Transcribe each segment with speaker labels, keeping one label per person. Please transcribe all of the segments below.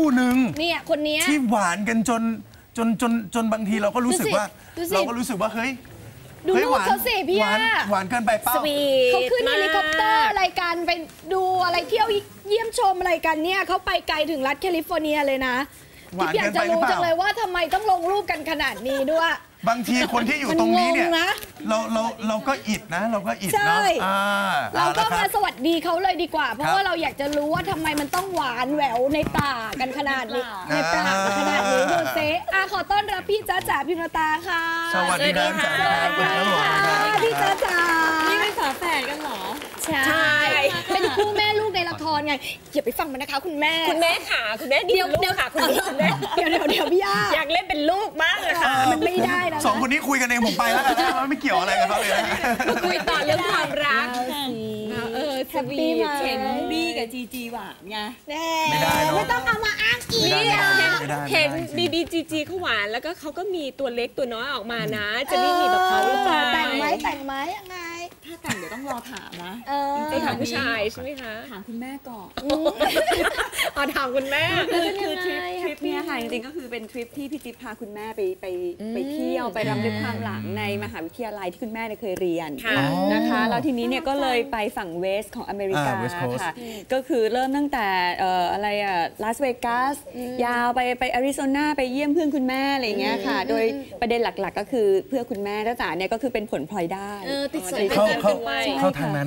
Speaker 1: หนึ่ง
Speaker 2: เนี่ยคนนี้
Speaker 1: ที่หวานกันจนบางทีเราก็รู้สึกว่าเฮ้ย
Speaker 2: ดูลูกเขาสิพี่
Speaker 1: หวานเกินไปเปล่า
Speaker 2: เขาขึ้นเฮลิคอปเตอร์อะไรกันไปดูอะไรเที่ยวเยี่ยมชมอะไรกันเนี่ยเขาไปไกลถึงรัฐแคลิฟอร์เนียเลยนะพี่อยากจะรู้จังเลยว่าทำไมต้องลงรูปกันขนาดนี้ด้วย
Speaker 1: บางทีคนที่อยู่ตรงนี้เนี่ยเราก็อิดนะเราก็อิดเนาะ
Speaker 2: เราก็มาสวัสดีเขาเลยดีกว่าเพราะว่าเราอยากจะรู้ว่าทำไมมันต้องหวานแหววในปากกันขนาดนี้ในปากขนาดนี้ดูเซ่ขอต้อนรับพี่จ๊ะจ๋าพิมรตาค่ะ
Speaker 1: สวัสดีค่ะ
Speaker 2: พี่จ๊ะจ๋า
Speaker 3: นี่เป็นฝาแฝดกันเหรอ
Speaker 2: ใช่เป็นคู่แม่ลูกในละครไงอย่าไปฟังมันนะคะคุณแม่
Speaker 3: ค่ะคุณแม่เดี๋ยวค่ะคุณแม่
Speaker 2: เดี๋ยวพี่ย่า
Speaker 3: อยากเล่นเป็นลูกบ้างอะค่ะ
Speaker 2: มันไม่ได้แล้ว
Speaker 1: สองคนนี้คุยกันเองผมไปแล้วนะไม่เกี่ยวอะไรกับเขาเลย
Speaker 3: คุยต่อเรื่องความรัก
Speaker 2: สวีท
Speaker 3: เห็นบี้กับจีจีหวานไง
Speaker 2: ไม่ต้องเอามาอ้างอีก
Speaker 3: เห็นบีจีเขาหวานแล้วก็เขาก็มีตัวเล็กตัวน้อยออกมานะจะไม่มีแบบเขาหรือเปล่า
Speaker 2: แต่งไหมยังไง
Speaker 3: ถ้าแต่งเดี๋ยวต้องรอถามนะ
Speaker 2: ไป
Speaker 3: ถามผู้ชายใช่ไหมคะ
Speaker 2: ถามคุณแม่ก่อน
Speaker 3: ถามคุณแม่
Speaker 2: คือ
Speaker 3: ทริปนี้ค่ะจริงๆก็คือเป็นทริปที่พี่จิ๊บพาคุณแม่ไปเที่ยวไปรำลึกความหลังในมหาวิทยาลัยที่คุณแม่เคยเรียนนะคะแล้วทีนี้เนี่ยก็เลยไปฝั่งเวสของอเมริกาค่ะก็คือเริ่มตั้งแต่อะไรลาสเวกัสยาวไปอาริโซนาไปเยี่ยมเพื่อนคุณแม่อะไรอย่างเงี้ยค่ะโดยประเด็นหลักๆก็คือเพื่อคุณแม่จ๋าเนี่ยก็คือเป็นผลพลอยได้
Speaker 2: ติดสอย
Speaker 1: เข้าทางนั้น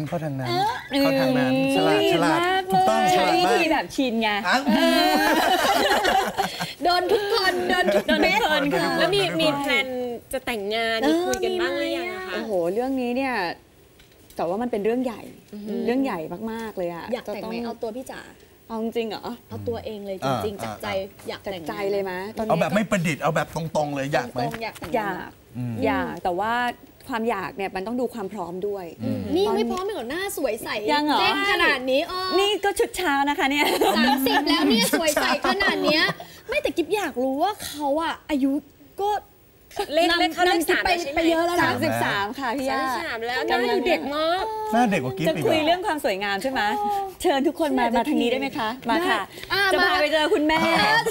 Speaker 1: ฉลาดถูกต้อง
Speaker 3: ใช้วิธีแบบชินไง
Speaker 2: โดนทุกคน
Speaker 3: เม็ดแล้วมีแพลนจะแต่งงานคุยกันบ้างหรือยังคะ
Speaker 2: โอ้โหเรื่องนี้เนี่ยแต่ว่ามันเป็นเรื่องใหญ่มากๆเลยอะอยากแต่งไหมเอาตัวพี่จ๋าเอาจริงเหรอเอาตัวเองเลยจริงๆจากใจอยากแต่งใจเลยไหม
Speaker 1: เอาแบบไม่ประดิษฐ์เอาแบบตรงๆเลยอยากไหม
Speaker 2: อยากแต่ว่าความอยากเนี่ยมันต้องดูความพร้อมด้วยนี่ไม่พร้อมเหรอหน้าสวยใส
Speaker 3: ยังเหรอ
Speaker 2: ขนาดนี้
Speaker 3: นี่ก็ชุดเช้านะคะเนี่ย
Speaker 2: 30แล้วเนี่ยสวยใสขนาดนี้ไม่แต่กิ๊บอยากรู้ว่าเขาอะอายุก็
Speaker 3: เล็กเขา
Speaker 2: ไปเยอะแล้วนะ
Speaker 3: 33ค่ะพี่ย่า33แล้วหน้าดูเด็กมาก
Speaker 1: หน้าเด็กกว่ากิ๊บ
Speaker 3: จะคุยเรื่องความสวยงามใช่ไหมเชิญทุกคนมาทางนี้ได้ไหมคะมาค่ะจะพาไปเจอคุณแม่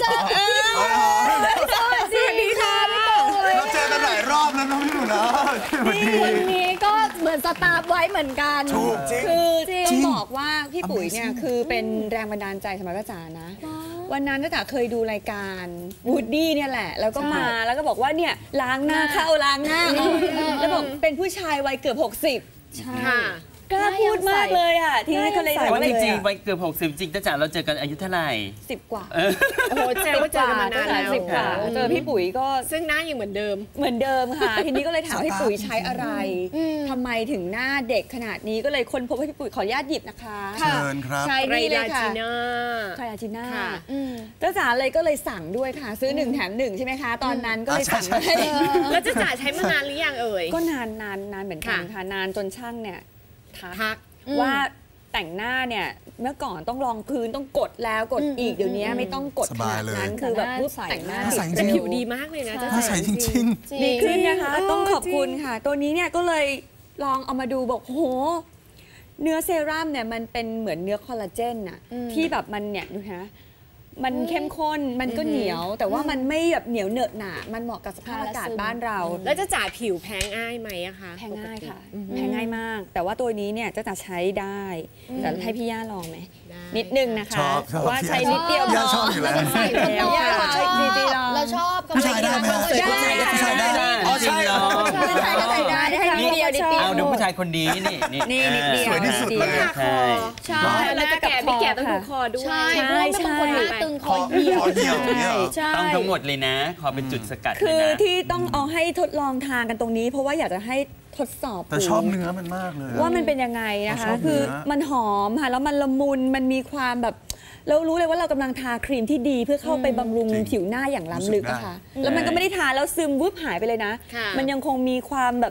Speaker 2: สวัสดีค่ะ
Speaker 1: เราเจอกันหลายรอบแล้วน้องพี่หนูนะ
Speaker 2: คนนี้ก็เหมือนสตาร์ฟไว้เหมือนกัน
Speaker 3: คือต้องบอกว่าพี่ปุ๋ยเนี่ยคือเป็นแรงบันดาลใจสำหรับจ้าจ๋านะวันนั้นจ้าจ๋าเคยดูรายการวูดดี้เนี่ยแหละแล้วก็มาแล้วก็บอกว่าเนี่ยล้างหน้าเข้าล้างหน้าแล้วบอกเป็นผู้ชายวัยเกือบ60ใช่กล้าพูดมากเลยอ่ะที่นั่นเขาเลย
Speaker 4: แต่ว่าจริงๆวัยเกือบ60จริงจ้าจ๋าเราเจอกันอายุเท่าไหร่
Speaker 3: 10 กว่าโอ้โหเจอกันมานานแล้ว10 กว่าเจอพี่ปุ๋ยก็ซึ่งหน้ายังเหมือนเดิมค่ะทีนี้ก็เลยถามพี่ปุ๋ยใช้อะไรทำไมถึงหน้าเด็กขนาดนี้ก็เลยค้นพบให้พี่ปุ๋ยขออนุญาตหยิบนะคะ
Speaker 1: เชิญครับ
Speaker 3: ใช้นี่เลยค่ะไทราจิน่าจ้าจ๋าเลยก็เลยสั่งด้วยค่ะซื้อ1 แถม 1ใช่ไหมคะตอนนั้นก็เลยสั่งให้แล้วจ้าจ๋าใช้มานานหรือยังเอ่ยก็นานเหมือนกันค่ะนานจนช่างเนี่ยทักว่าแต่งหน้าเนี่ยเมื่อก่อนต้องรองพื้นต้องกดแล้วกดอีกเดี๋ยวนี้ไม่ต้องกดขนาดนั้นคือแบบปุ๊บแต่งหน้าแต่ผิวดีมากเลยนะจะ
Speaker 1: ใส่จริง
Speaker 3: ดีขึ้นนะคะต้องขอบคุณค่ะตัวนี้เนี่ยก็เลยลองเอามาดูบอกโหเนื้อเซรั่มเนี่ยมันเป็นเหมือนเนื้อคอลลาเจนอะที่แบบมันเนี่ยดูนะมันเข้มข้นมันก็เหนียวแต่ว่ามันไม่แบบเหนียวเหนอะหนามันเหมาะกับสภาพอากาศบ้านเราแล้วจะจ่ายผิวแพ้ง่ายไหมอะคะแพ้ง่ายค่ะแพ้ง่ายมากแต่ว่าตัวนี้เนี่ยจะใช้ได้แต่ให้พี่ย่าลองไหมนิดนึงนะคะว่าใช้นิดเดียว
Speaker 1: ย่าชอบอยู่แล้ว
Speaker 2: เราชอบ
Speaker 1: ผู้ชายได้ไหมผู้ชายได้
Speaker 4: อ๋อใช่เหรอ
Speaker 2: ผู้ชายก็ใส่ได้ให้นิดเดียว
Speaker 4: เอาดูผู้ชายคนนี้นี่
Speaker 2: นิดเดียว
Speaker 1: สวยที่สุดเลย
Speaker 2: ใช่
Speaker 3: แล้วจะแก่ไม่แก่ต้องดูคอด้วย
Speaker 2: ใช่บางคนหน้าตึงคอเหี่ยว
Speaker 4: ต้องทั้งหมดเลยนะขอเป็นจุดสกัด
Speaker 3: คือที่ต้องเอาให้ทดลองทานกันตรงนี้เพราะว่าอยากจะให้ทดสอบ
Speaker 1: แต่ชอบเนื้อมันมากเลย
Speaker 3: ว่ามันเป็นยังไงนะคะคือมันหอมค่ะแล้วมันละมุนมันมีความแบบเรารู้เลยว่าเรากำลังทาครีมที่ดีเพื่อเข้าไปบำรุงผิวหน้าอย่างล้ำลึกอะค่ะแล้วมันก็ไม่ได้ทาแล้วซึมวุบหายไปเลยนะมันยังคงมีความแบบ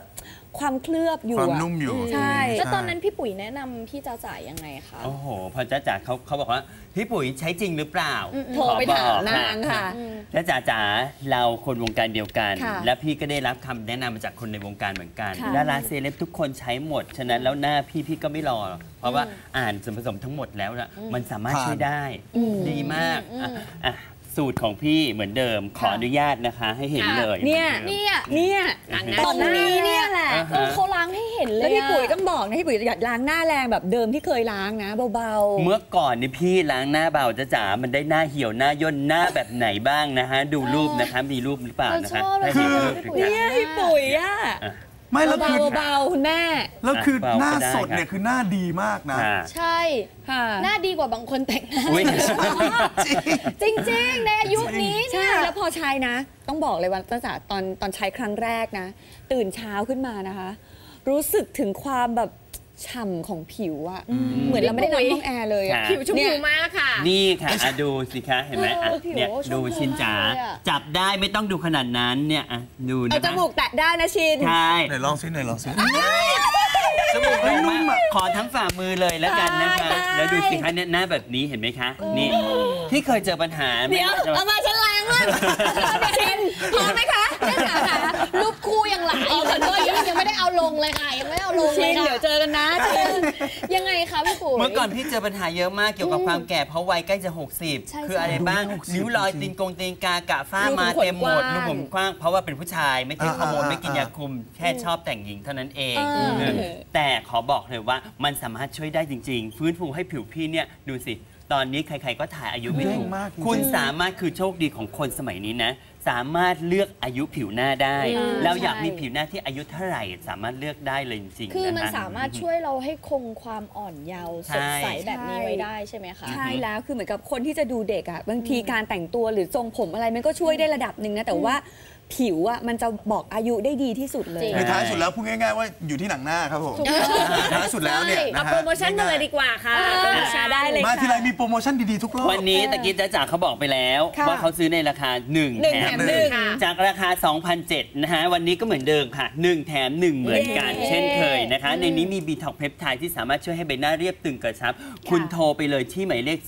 Speaker 3: ความเคลือบอยู่
Speaker 1: ความนุ่มอยู่
Speaker 3: ใช่
Speaker 2: แล้วตอนนั้นพี่ปุ๋ยแนะนำพี่จ้าจ๋ายังไงคะ
Speaker 4: โอ้โห พอจ้าจ๋าเขาบอกว่าพี่ปุ๋ยใช้จริงหรือเปล่า
Speaker 3: โทรไปถามนางค่ะ
Speaker 4: จ้าจ๋าเราคนวงการเดียวกัน
Speaker 3: ค่ะ
Speaker 4: และพี่ก็ได้รับคำแนะนำมาจากคนในวงการเหมือนกัน
Speaker 3: ค่ะ
Speaker 4: ดาราเซเลบทุกคนใช้หมด ฉะนั้นแล้วหน้าพี่ก็ไม่รอ เพราะว่าอ่านส่วนผสมทั้งหมดแล้วนะมันสามารถช่วยได้ดีมากอ่ะสูตรของพี่เหมือนเดิมขออนุญาตนะคะให้เห็นเลย
Speaker 3: เนี่ย
Speaker 2: เนี่ย
Speaker 3: ตรงนี้เนี่ยแหละ
Speaker 2: เขาล้างให้เห็นเลย
Speaker 3: แล้วพี่ปุ๋ยต้องบอกนะพี่ปุ๋ยอย่าล้างหน้าแรงแบบเดิมที่เคยล้างนะเบาๆ
Speaker 4: เมื่อก่อนนี่พี่ล้างหน้าเบาจ้าจ๋ามันได้หน้าเหี่ยวหน้าย่นหน้าแบบไหนบ้างนะฮะดูรูปนะคะมีรูปหรือเปล่านะคะ
Speaker 2: เราชอบเลย
Speaker 4: ให้เห็นรูป
Speaker 2: ค่ะ
Speaker 3: เนี่ยพี่ปุ๋ยอ่ะ
Speaker 1: ไม่แล้วคือ
Speaker 3: เบาๆคุณแม่
Speaker 1: แล้วคือ
Speaker 4: เบาๆ
Speaker 1: หน้า
Speaker 4: ก็ได้
Speaker 1: สดเนี่ยคือหน้าดีมากนะ
Speaker 4: ค่ะ
Speaker 2: ใช่
Speaker 3: ค่ะ
Speaker 2: หน้าดีกว่าบางคนแต่งหน้า
Speaker 4: อุ๊ย
Speaker 2: จริงๆ ในอายุนี้
Speaker 3: ใช่
Speaker 2: เนี่ย
Speaker 3: แล้วพอใช้นะ ต้องบอกเลยว่าตั้งแต่ตอนใช้ครั้งแรกนะ ตื่นเช้าขึ้นมานะคะ รู้สึกถึงความแบบฉ่ำของผิวอะเหมือนเราไม่ได้นอนห้องแอร์เลยอะ
Speaker 4: ค่ะ
Speaker 3: ผิวชม
Speaker 2: เนี่
Speaker 3: พู
Speaker 2: ย
Speaker 3: มากค่ะ
Speaker 4: นี่ค่ะอ่ะดูสิคะเห็นไหมอ่ะ
Speaker 2: ผิว
Speaker 4: เนี่ย
Speaker 2: ชมพู
Speaker 4: ดูชินจ๋าม
Speaker 2: ากเลยอะ
Speaker 4: จับได้ไม่ต้องดูขนาดนั้นเนี่ยอ่ะดูนะ
Speaker 3: เอาจมูกแตะได้นะชิน
Speaker 4: ใช่
Speaker 1: ไหนลองซิไหนลองซิ
Speaker 4: จมูก
Speaker 1: เฮ้ยนุ่
Speaker 4: นุ่
Speaker 1: ม
Speaker 4: ม
Speaker 1: อะ
Speaker 4: ขอทั้งฝ่ามือเลยแล้วกันนะคะ แล้วดูสิคะเนี่ยหน้าแบบนี้เห็นไหมคะนี่ที่เคยเจอปัญหาไหม
Speaker 3: เดี๋ยวเอามาฉันล้างว่ะชินพอไหมคะ
Speaker 2: แม่จ๋าค่ะรูปคู่ยังหลายอยู่เลยยังไม่ได้เอาลงเลยค่ะยังไม่ได้เอาลง
Speaker 3: ชิ
Speaker 2: เลย
Speaker 3: น
Speaker 2: ค่ะ
Speaker 3: เดี๋ยวเจอกันนะชิน
Speaker 2: ยังไงคะพี่ปุ๋ย
Speaker 4: เมื่อก่อนพี่เจอปัญหาเยอะมากเกี่ยวกับความแก่เพราะวัยใกล้จะ
Speaker 2: ใช่
Speaker 4: 60 คืออะไรบ้าง นิ้วรอยตีนตีนกากะฝ้า
Speaker 3: รูขุม
Speaker 4: มา
Speaker 3: ขน
Speaker 4: เต็มหมด
Speaker 3: กว้าง
Speaker 4: รูขุมกว้างเพราะว่าเป็นผู้ชายไม่กินฮอร์โมนไม่กินยาคุมแค่ชอบแต่งหญิงเท่านั้นเองแต่ขอบอกเลยว่ามันสามารถช่วยได้จริง ๆ ฟื้นฟูให้ผิวพี่เนี่ยดูสิ ตอนนี้ใครๆก็ถ่ายอายุไม่ถูก
Speaker 1: เด้งมากจริงๆ
Speaker 4: คุณสามารถคือโชคดีของคนสมัยนี้นะ สามารถเลือกอายุผิวหน้าได้ แล้วอยากมีผิวหน้าที่อายุเท่าไหร่สามารถเลือกได้เลยจริงๆ
Speaker 2: คือมัน
Speaker 4: นะฮะ
Speaker 2: สามารถช่วยเราให้คงความอ่อนเยาว์สดใสแบบนี้ไว้ได้ใช่ไหมคะ
Speaker 3: ใช่แล้วคือเหมือนกับคนที่จะดูเด็กอ่ะบางทีการแต่งตัวหรือทรงผมอะไรมันก็ช่วยได้ระดับหนึ่งนะแต่ว่าผิวอ่ะมันจะบอกอายุได้ดีที่สุดเลย
Speaker 2: จริง
Speaker 1: ในท้ายสุดแล้วพูดง่ายๆว่าอยู่ที่หนังหน้าครับผมท้ายสุดแล้วเนี่ยนะ
Speaker 5: เอา
Speaker 1: ฮะ
Speaker 5: โปรโมชั่นมาเลยดีกว่าค่ะ
Speaker 3: ได้เลย
Speaker 1: มา
Speaker 3: ค่ะ
Speaker 1: ทีไรมีโปรโมชั่นดีๆทุกรอบ
Speaker 4: วันนี้ตะกี้จ้าจ๋าเขาบอกไปแล้ว
Speaker 3: ค่ะ
Speaker 4: ว่าเขาซื้อในราคา 1
Speaker 3: หนึ่ง
Speaker 4: แถ
Speaker 3: แถ
Speaker 4: ม
Speaker 3: มหนึ่ง
Speaker 4: จากราคา 2,700 นะฮะ วันนี้ก็เหมือนเดิมค่ะ 1 แถม 1 เหมือนกัน
Speaker 3: เย้
Speaker 4: เช่นเคยนะคะ ในนี้มีบีท็อกเพปไทด์ที่สามารถช่วยให้ใบหน้าเรียบตึงกระชับ คุณโทรไปเลยที่หมายเลข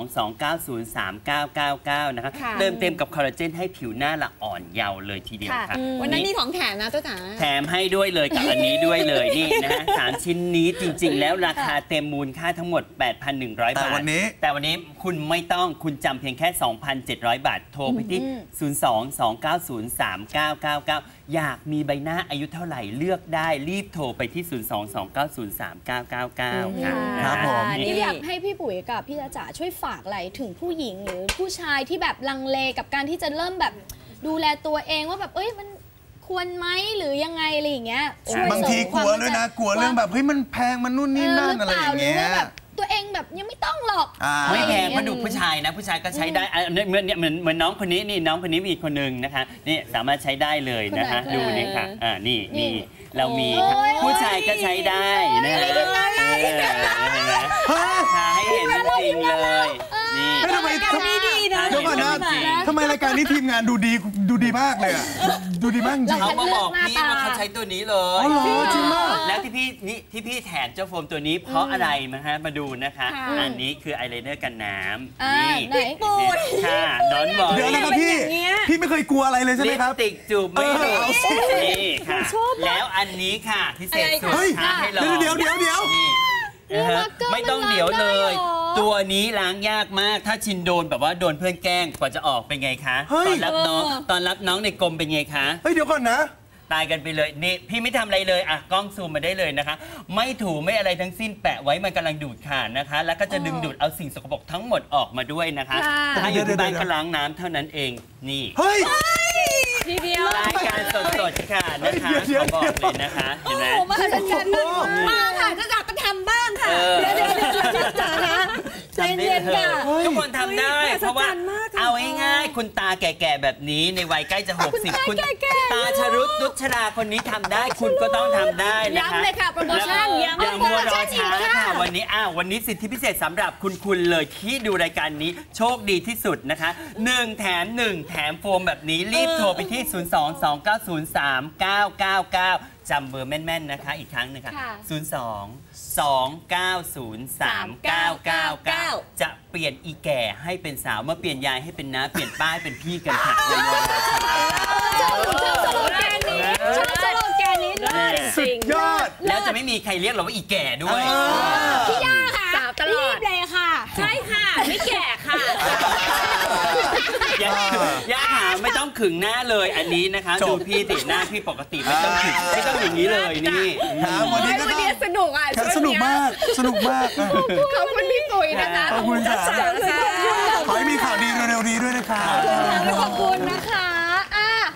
Speaker 4: 02-290-3999 นะคะ
Speaker 3: ค่ะ
Speaker 4: เติมเต็มกับคอลลาเจนให้ผิวหน้าละอ่อนเยาว์เลยทีเดียว
Speaker 3: ค่ะ
Speaker 4: ค่ะ
Speaker 3: วันนั้นมีของแถมนะเจ้าจ๋า
Speaker 4: แถมให้ด้วยเลยกับอันนี้ด้วยเลยนี่นะฮะ3 ชิ้นนี้จริง ๆ แล้วราคาเต็มมูลค่าทั้งหมด 8,100
Speaker 1: แต่
Speaker 4: บาท
Speaker 1: วันนี้
Speaker 4: แต่วันนี้คุณไม่ต้องคุณจำเพียงแค่ 2,700 บาท โทรไปที่ 02-290-3999 อยากมีใบหน้าอายุเท่าไหร่เลือกได้รีบโทรไปที่ 02-290-3999 ค่ะ
Speaker 1: ครับผม
Speaker 2: นี่อยากให้พี่ปุ๋ยกับพี่จ๋าช่วยฝากอะไรถึงผู้หญิงหรือผู้ชายที่แบบลังเลกับการที่จะเริ่มแบบดูแลตัวเองว่าแบบเอ้ยมันควรไหมหรือยังไงอะไรอย่างเงี้ยช่วย
Speaker 1: บางที
Speaker 2: เสริม
Speaker 1: กลัวด้วยนะ กลัวเรื่องแบบเฮ้ยมันแพงมันนู่นนี่นั่นอะไรอย่างเงี้
Speaker 2: หรื
Speaker 1: ย
Speaker 2: ว่าแบบตัวเองแบบยังไม่ต้องหรอก
Speaker 4: ไม่แพง
Speaker 2: อะไรอย่
Speaker 4: มาดูผู้ชายนะ ผู้ชายก็ใช้ได้อ่ะเหมือนน้องคนนี้นี่น้องคนนี้มีอีกคนนึงนะคะนี่สามารถใช้ได้เลยนะคะ
Speaker 2: คนไหน
Speaker 4: ดูนี่ค่ะนี่
Speaker 2: นี่
Speaker 4: เรามีค่ะ
Speaker 2: โอ้ย
Speaker 4: ผู้ชายก็ใช้ได้นะฮะเห็นไหมทาให้เห็นจริงๆเลยนี่
Speaker 1: เฮ้ยทำไม
Speaker 3: ดีนะ
Speaker 1: เดี๋ยวก่อนนะ
Speaker 4: จริง
Speaker 1: ทำไมรายการนี้ทีมงานดูดีมากเลยอะดูดีมากจริง
Speaker 4: เขามาบอกพี่ว่าเขาใช้ตัวนี้เลย
Speaker 1: อ๋อเหรอจริงมาก
Speaker 4: แล้วที่พี่แถมเจ้าโฟมตัวนี้เพราะอะไรนะฮะมาดูนะคะ อันนี้คืออายไลเนอร์กันน้ำ
Speaker 2: อ่า
Speaker 4: นี่
Speaker 2: ไหน
Speaker 4: ค่ะดอนบอก
Speaker 1: เดี๋ยวนะครับพี่ พี่ไม่เคยกลัวอะไรเลยใช่ไหม
Speaker 4: ลิป
Speaker 1: ครับ
Speaker 4: สติกจูบไม่หลุด
Speaker 1: เอาสิ
Speaker 4: นี่ค่ะ แล้วอันนี้ค่ะพิเศษสุด
Speaker 1: เฮ้ย
Speaker 4: ท้าให้ลอง
Speaker 1: เดี๋ยว
Speaker 4: นี่นะฮะไม่ต้องเดี๋ยวเลย ตัวนี้ล้างยากมากถ้าชินโดนแบบว่าโดนเพื่อนแกล้งกว่าจะออกเป็นไงคะ
Speaker 1: เฮ้ย
Speaker 4: ตอนรับน้องในกรมเป็นไงคะ
Speaker 1: เฮ้ยเดี๋ยวก่อนนะ
Speaker 4: ตายกันไปเลยนี่พี่ไม่ทำอะไรเลยอ่ะกล้องซูมมาได้เลยนะคะ ไม่ถูไม่อะไรทั้งสิ้นแปะไว้มันกำลังดูดขาดนะคะ แล้วก็จะดึงดูดเอาสิ่งสกปรกทั้งหมดออกมาด้วยนะคะถ้าอยู่ที่บ้านก็ล้างน้ำเท่านั้นเองนี่
Speaker 1: เฮ้ย
Speaker 3: ทีเดียว
Speaker 4: รายการสดๆค่ะนะคะ
Speaker 1: เดี๋ยว
Speaker 4: ขอบอกเลยนะคะเห็นไหม
Speaker 2: มหัศจรรย์มาก
Speaker 3: มาค่ะเจ้าจ๋าก็ทำบ้างค่ะ
Speaker 2: เดี๋ยวจ๋านะใจ
Speaker 4: ทำได้
Speaker 2: เย็น
Speaker 4: เล
Speaker 2: ค่ะ
Speaker 4: ยทุกคนทำได้ เพราะว่าเอาง่ายๆคุณตาแก่ๆแบบนี้ในวัยใกล้จะ 60 คุณตาชรุตนุชราคนนี้ทำได้คุณก็ต้องทำได้นะคะ
Speaker 2: ย้ำเลยค่ะโปรโมชั่น
Speaker 4: อย่า
Speaker 2: ย้ำ
Speaker 4: มัวรอ
Speaker 2: อี
Speaker 4: ช้าก
Speaker 2: ค่ะ
Speaker 4: ค่ะวันนี้สิทธิพิเศษสำหรับคุณเลยที่ดูรายการนี้โชคดีที่สุดนะคะ1 แถม 1 แถมโฟมแบบนี้รีบโทรไปที่ 022903999 จำเบอร์แม่นๆนะคะอีกครั้งหนึงค่ะ
Speaker 2: ค่ะ
Speaker 4: 02-290-3999 จะเปลี่ยนอีแก่ให้เป็นสาวเมื่อเปลี่ยนยายให้เป็นน้าเปลี่ยนป้าให้เป็นพี่กันค่ะ
Speaker 2: ชอบสโลแกนนี้ชอบสโลแกนนี้เลย
Speaker 1: สุดยอด
Speaker 4: แล้วจะไม่มีใครเรียกเราว่าอีแก่ด้วย
Speaker 2: พี่ย่าค่ะ
Speaker 5: สาวตลอด
Speaker 2: รีบเลยค่ะ
Speaker 5: ใช่ค่ะ ไม่แก่ค่ะ
Speaker 4: ย่าหาไม่ต้องขึงหน้าเลยอันนี้นะคะ
Speaker 1: จบ
Speaker 4: ดูพี่ติหน้าพี่ปกติไม่ต้องขึงไม่ต้องอย่างนี้เลยนี่
Speaker 1: ครับวันนี้ก็
Speaker 5: วันนี้สนุกอ่ะ
Speaker 1: สนุกมากสนุกมาก
Speaker 5: ขอบคุณพี่ตุ๋ยนะคะ
Speaker 1: ขอบคุณค่ะ
Speaker 5: จ้า